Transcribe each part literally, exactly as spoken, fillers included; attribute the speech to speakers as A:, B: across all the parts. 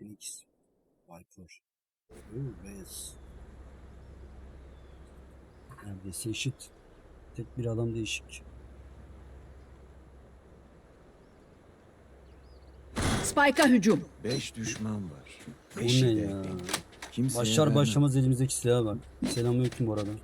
A: Phoenix. Viper. Oo, Reyes. Neredeyse eşit. Tek bir adam değişik.
B: Spike'a hücum.
C: Beş düşman var.
A: Bu
C: Beşi
A: ne
C: de
A: ya?
C: benim. Kimseye
A: Başlar
C: vermem.
A: başlamaz elimizdeki silaha bak. Selamünaleyküm bu arada.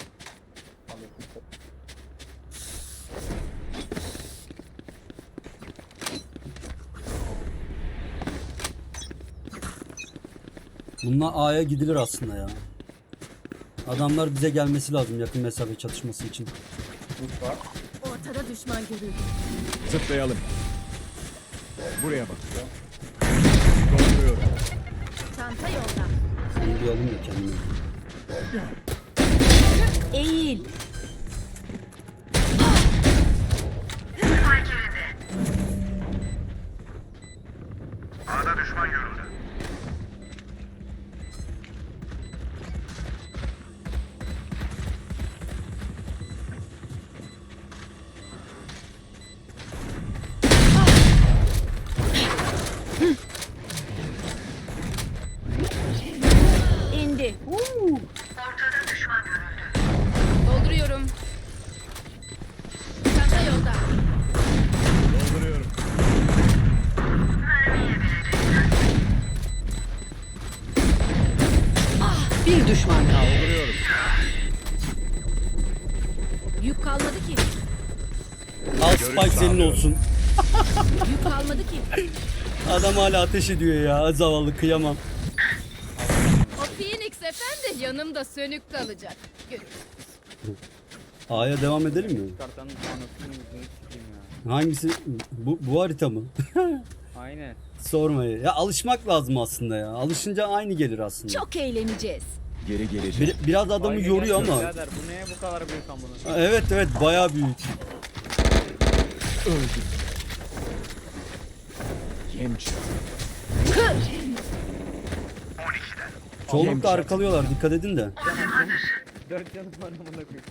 A: Bununla A'ya gidilir aslında ya. Adamlar bize gelmesi lazım yakın mesafe çatışması için.
D: Ortada düşman görüldü.
C: Zıplayalım. Buraya bak. Dolduruyorum.
D: Çanta yolda.
A: Seni duyalım da kendime.
B: Eğil.
E: A'da düşman görüldü.
D: İndi.
E: Ortada düşman görüldü.
D: Dolduruyorum. Çanta yolda.
C: Dolduruyorum.
B: Bir düşman kaldı.
C: Dolduruyorum.
D: Yük kalmadı ki.
A: Al Spike senin olsun.
D: Yük kalmadı ki.
A: Adam hala ateş ediyor ya. Zavallı kıyamam.
D: O Phoenix efendi yanımda sönük kalacak. Görün.
A: A'ya devam edelim mi?
F: Kartanın anasını yüzünü sikeyim ya.
A: Hangisi? Bu, bu harita mı?
F: Aynen.
A: Sormayı. Ya alışmak lazım aslında ya. Alışınca aynı gelir aslında.
D: Çok eğleneceğiz.
C: Geri geleceğim.
A: Bir- biraz adamı
F: Aynı
A: yoruyor
F: gerçek
A: ama.
F: birader, bu neye bu kadar büyük amına?
A: Evet evet bayağı büyük.
C: Öldüm. Yem çıktı.
A: Çoğunlukla arkalıyorlar dikkat edin de.
F: Dört canım var amına koyayım.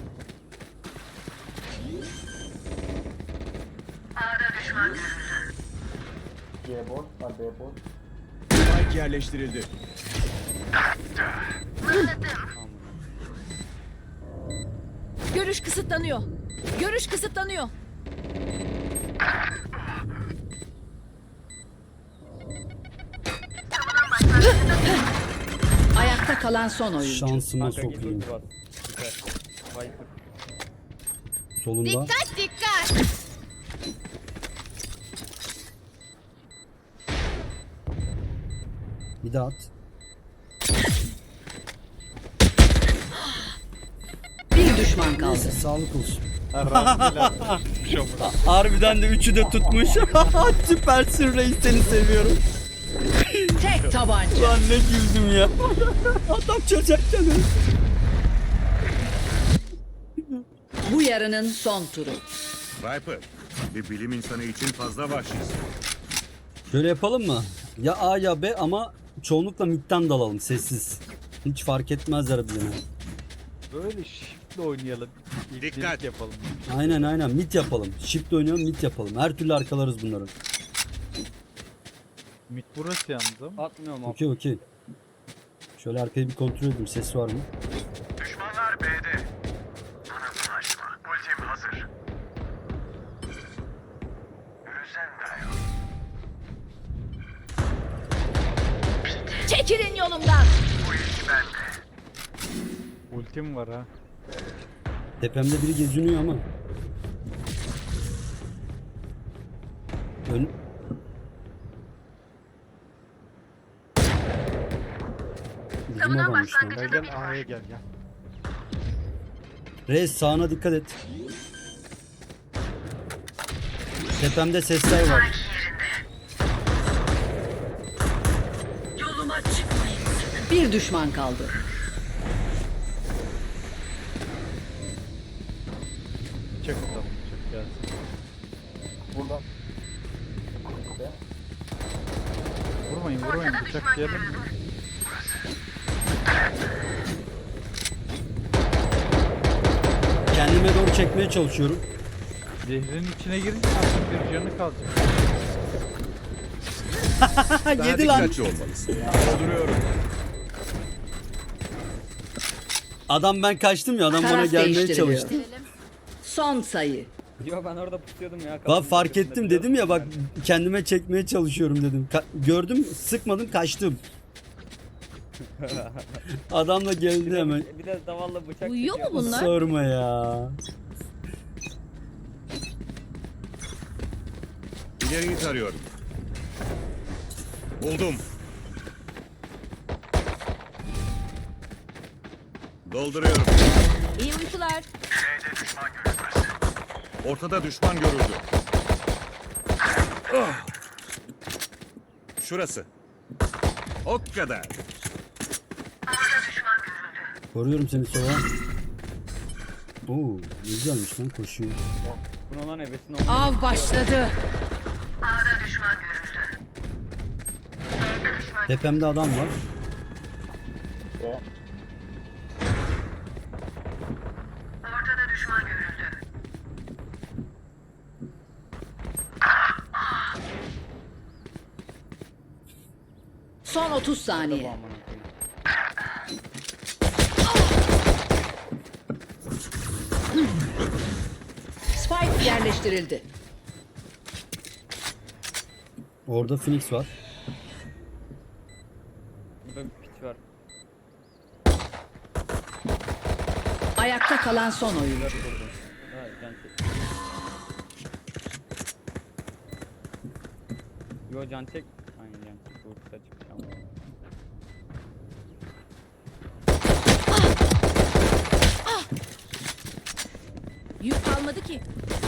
C: Spike yerleştirildi.
D: Görüş kısıtlanıyor. Görüş kısıtlanıyor.
B: Ayakta kalan son oyuncu.
A: Şansıma
F: Kanka git
A: sokayım.
F: ulti bas. Süper. Viper.
A: Solunda.
D: Dikkat dikkat.
A: Bir daha at.
B: Bir düşman kaldı.
A: Neyse sağlık olsun.
F: Bir şey olmaz.
A: Harbiden de üçü de tutmuş. Süpersin reis seni seviyorum.
B: Tek tabanca.
A: Lan ne güldüm ya. Adam çocuk canı.
B: Bu yarının son turu.
E: Viper, bir bilim insanı için fazla vahşisin.
A: Şöyle yapalım mı? Ya A ya B ama çoğunlukla midden dalalım sessiz. Hiç fark etmezler bize.
F: Böyle shiftle oynayalım. İlk
E: Dikkat.
F: delik yapalım.
A: Aynen aynen mid yapalım. Shift oynayalım mid yapalım. Her türlü arkalarız bunları.
F: Mid burası yalnız ama. Atmıyorum abi.
A: Okey okey. Şöyle arkayı bir kontrol edeyim ses var mı?
E: Düşmanlar B'de. Bana bulaşma. Ultim hazır. Özen dayan.
D: Çekilin yolumdan.
E: Bu iş bende.
F: Ultim var ha.
A: Tepemde biri geziniyor ama. Ön... Bizim adammış lan.
F: Gel gel A'ya gel gel.
A: Reis sağına dikkat et. Tepemde sesler var.
B: Bir düşman kaldı.
F: Çek tamam çek gelsin. Burada. Vurmayın vurmayın bıçak diyelim mi?
A: Kendime doğru çekmeye çalışıyorum.
F: Zehrin içine girince artık bir canı kalacak.
C: Daha
A: Yedi lan.
C: dikkatli olmalısın. Dolduruyorum.
A: Adam ben kaçtım ya adam bana
B: Taraf
A: gelmeye
B: değiştiriliyor.
A: çalıştı.
B: Son sayı.
G: Yo ben orada pusuyordum ya.
A: Bak
G: kapının
A: fark
G: arkasında
A: ettim
G: biliyor
A: dedim ya
G: musun
A: bak kendime çekmeye çalışıyorum dedim. Ka- gördüm sıkmadım kaçtım. Adam da geldi hemen.
G: ben? Bir de davalla bıçak
D: Uyuyor mu
G: çekiyor.
D: bunlar?
A: Sorma ya.
E: İleriyi tarıyorum. Buldum. Dolduruyorum.
D: İyi uykular.
E: Ortada düşman görüldü. Ah! Şurası. O kadar.
A: Koruyorum seni sonra. Oo, ne güzelmiş lan koşuyor.
G: Bunun lan ebesini olmuyor.
B: Av başladı.
A: Tepemde adam var.
B: Son otuz
G: Bu
B: saniye.
G: amına koyayım.
B: Spike yerleştirildi.
A: Orada Phoenix var.
G: Burada bir piç var.
B: Ayakta kalan son oyuncu.
G: Dört vurdum. Ha, can çek. Yo can çek. Aynen can çek. Vursa çıkacağım.
D: Yük kalmadı ki.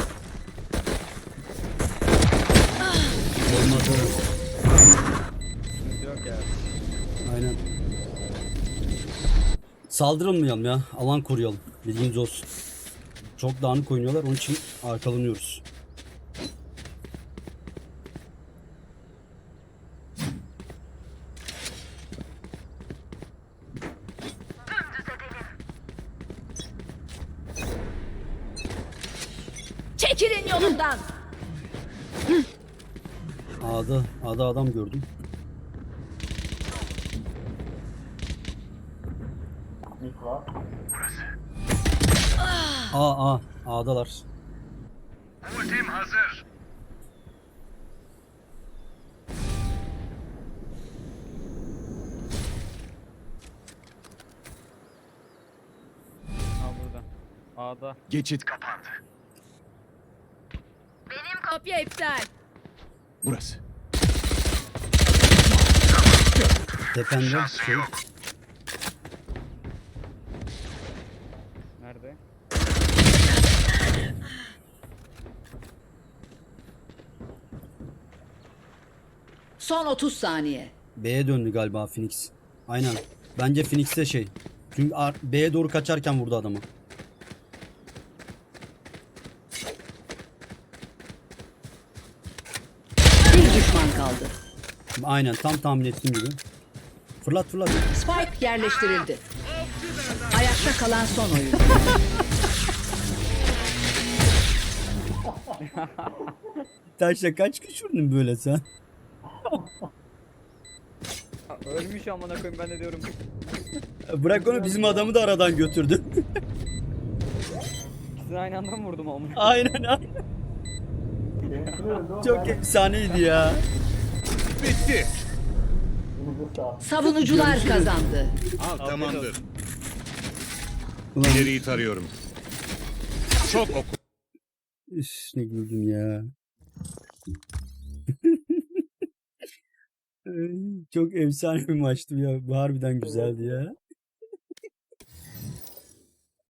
A: Olmadı.
G: Sıkıntı yok ya.
A: Aynen. Saldırılmayalım ya. Alan koruyalım. Bilginiz olsun. Çok dağınık oynuyorlar. Onun için arkalanıyoruz.
D: Çekilin yolumdan.
A: A'da, A'da adam gördüm. A, A, A'dalar.
G: Ha burada. A'da.
C: Geçit kapandı.
D: Kopya iptal.
C: Burası.
A: Tepende şey.
G: Nerede?
B: Son otuz saniye.
A: B'ye döndü galiba Phoenix. Aynen. Bence Phoenix'te şey. Çünkü ar- B'ye doğru kaçarken vurdu adamı.
B: Bir düşman kaldı.
A: Aynen tam tahmin ettiğim gibi. Fırlat fırlat.
B: Spike yerleştirildi. Ayakta kalan son oyuncu.
A: Taşla kaç kişi vurdun böyle sen?
G: Ha, ölmüş amına koyayım ben de diyorum.
A: Bırak onu bizim adamı da aradan götürdü.
G: İkisini aynı anda mı vurdum amına?
A: aynen aynen. Çok efsaneydi ya.
E: Bitti.
B: Savunucular kazandı.
E: Al tamamdır.
A: Ulan
E: İleriyi tarıyorum. Çok oku.
A: üf, ne güldüm ya. Çok efsane bir maçtı ya. Bu harbiden güzeldi ya.